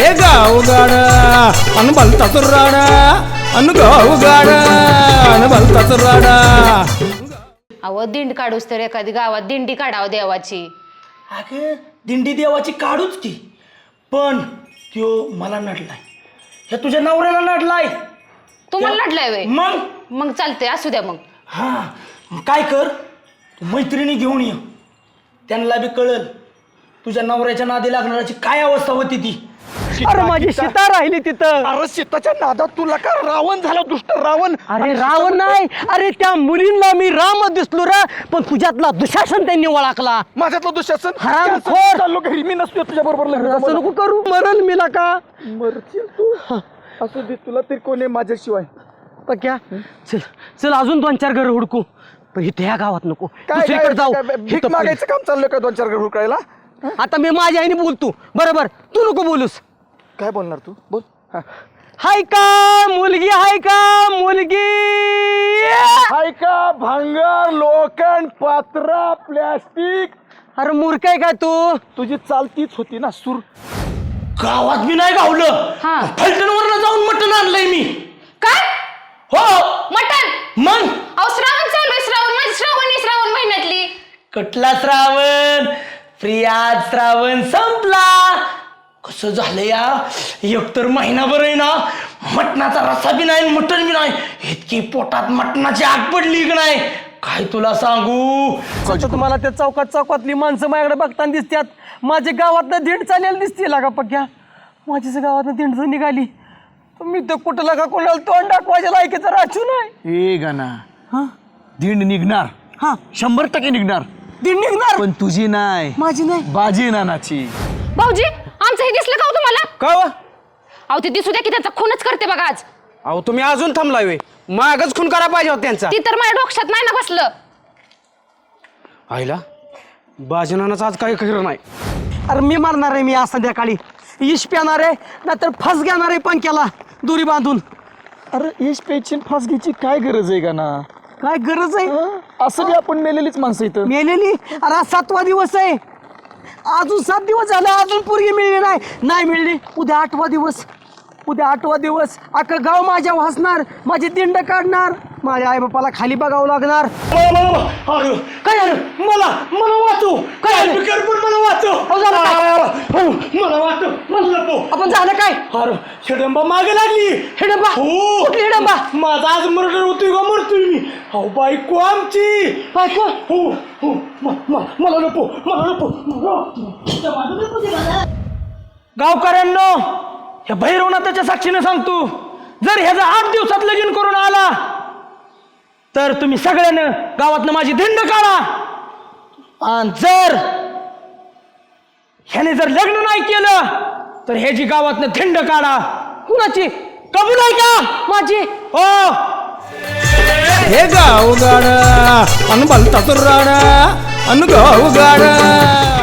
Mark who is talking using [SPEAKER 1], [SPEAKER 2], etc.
[SPEAKER 1] हे गावगाड अन भलताच राडा अन गावगाड अन भलताच राडा.
[SPEAKER 2] अहो दिंड काढूस तर एखादी गावात दिंडी काढावं देवाची.
[SPEAKER 3] अगं दिंडी देवाची काढूच की, पण त्यो मला नडलाय, हे तुझ्या नवऱ्याला नडलाय.
[SPEAKER 2] तुम्हाला लढलाय वे?
[SPEAKER 3] मग
[SPEAKER 2] मग चालतंय, असू द्या मग.
[SPEAKER 3] हा काय कर, तू मैत्रिणी घेऊन ये, त्यांना बी कळल तुझ्या नवऱ्याच्या नादी लागणाऱ्याची काय अवस्था होती ती.
[SPEAKER 4] अरे माझी सीता राहिली तिथं.
[SPEAKER 3] अरे सीताच्या नादात तुला का रावण झाला, दुष्ट रावण.
[SPEAKER 4] अरे रावण नाही, अरे त्या मुलींना मी राम दिसलो रा, पण तुझ्यातला दुःशासन त्यांनी ओळखला.
[SPEAKER 3] माझ्यातलं दुःशासन
[SPEAKER 4] हरामखोर.
[SPEAKER 3] चाललो घरी, मी नसतो तुझ्या बरोबर.
[SPEAKER 4] असं नको करू, मरल मीला का.
[SPEAKER 3] मरशील तू, असू दे, तुला तरी कोणी माझ्याशिवाय.
[SPEAKER 4] पक्या चल चल, अजून 2-4 घर हुडकू, पण इथे ह्या गावात नको, दुसरीकडे जाऊ.
[SPEAKER 3] भीक मागायचं काम चाललं का 2-4 घर हुडकायला?
[SPEAKER 4] आता मी माझ्या आईने बोलतो बरोबर, तू नको बोलूस.
[SPEAKER 3] काय बोलणार तू, बोल.
[SPEAKER 4] हाय का मुलगी, हाय का मुलगी.
[SPEAKER 3] हाय का भांगर, लोखंड, पात्रा, प्लॅस्टिक.
[SPEAKER 4] अरे मूर्ख आहे काय तू.
[SPEAKER 3] तुझी चालतीच होती ना सूर. गावात मी नाही गावलं,
[SPEAKER 2] हा.
[SPEAKER 3] फलटणवरनं जाऊन मटण आणलंय मी.
[SPEAKER 2] काय
[SPEAKER 3] हो
[SPEAKER 2] मटण?
[SPEAKER 3] मग
[SPEAKER 2] अहो श्रावण चालू आहे, श्रावण म्हणजे श्रावण महिन्यातली.
[SPEAKER 3] कटला श्रावण, प्रिया श्रावण संपला. कसं झालं या, एकतर महिनाभर आहे ना मटणाचा रस्सा बी नाही, मटण बी नाही, इतकी पोटात मटणाची आग पडली की नाही काय तुला सांगू.
[SPEAKER 4] तुम्हाला त्या चौकातली माणसं माझ्याकडे बघताना दिसतात. माझ्या गावातनं दिंड चालेल दिसते लागा पक्या. माझ्याच गावातनं दिंड जर निघाली मी तर कुठं लागा कोणाला तोंड दाखवायच्या लायकीचं राचू नाही.
[SPEAKER 5] ए गाना, दिंड निघणार,
[SPEAKER 4] हा
[SPEAKER 5] 100% निघणार,
[SPEAKER 4] दिंड निघणार,
[SPEAKER 5] पण तुझी नाही,
[SPEAKER 4] माझी नाही.
[SPEAKER 5] बाजी नानाची.
[SPEAKER 2] भाऊजी आमचं हे दिसलं का हो तुम्हाला?
[SPEAKER 1] का
[SPEAKER 2] अहो ते दिसू द्या की त्यांचा खूनच करते बघा आज.
[SPEAKER 1] अहो तुम्ही अजून थांबलाय वे, मागच खून करा पाहिजे होता त्यांचा.
[SPEAKER 2] ती तर माझ्या डोक्यात नाही ना बसलं.
[SPEAKER 1] आईला बाजनानाच आज काही खरं नाही.
[SPEAKER 4] अरे मी मारणार आहे, मी आज संध्याकाळी इश प्याणार आहे, नाहीतर फस घेणार आहे पंख्याला दोरी बांधून.
[SPEAKER 3] अरे यश पेची फास घ्यायची काय गरज आहे का ना.
[SPEAKER 4] काय गरज आहे,
[SPEAKER 3] असं बी आपण मेलेलीच माणसं इथं.
[SPEAKER 4] मेलेली. अरे आज 7वा दिवस आहे, अजून 7 दिवस झाले, अजून पोरगी मिळली नाही मिळली. उद्या 8वा दिवस, उद्या 8वा दिवस. अख्खं गाव माझ्या हसणार, माझी दिंड काढणार, माझ्या आई बापाला खाली बघावं लागणार.
[SPEAKER 3] काय झालं, मला वाचव, काय मला वाचव, मला वाचव, मला
[SPEAKER 4] आपण झालं काय.
[SPEAKER 3] अरे हिडंबा मागे लागली.
[SPEAKER 4] हिडंबा?
[SPEAKER 3] हो,
[SPEAKER 4] कुठली हिडंबा?
[SPEAKER 3] माझा आज मर्डर होतोय का मरतोय मी. हो बायको आमची.
[SPEAKER 4] बायको?
[SPEAKER 3] हो हो, मला नको, मला नको.
[SPEAKER 4] गावकऱ्यांनो, ह्या भैरवनाथाच्या साक्षीने सांगतो, जर ह्याचा 8 दिवसात लगीन करून आला तर तुम्ही सगळ्यानं गावातनं माझी दिंड काढा. आणि जर ह्याने जर लग्न नाही केलं तर ह्याची गावातनं दिंड काढा. कुणाची? कबूल आहे का माझी? हो.
[SPEAKER 1] हे गावगाड अन भलताच राडा अन गावगाड.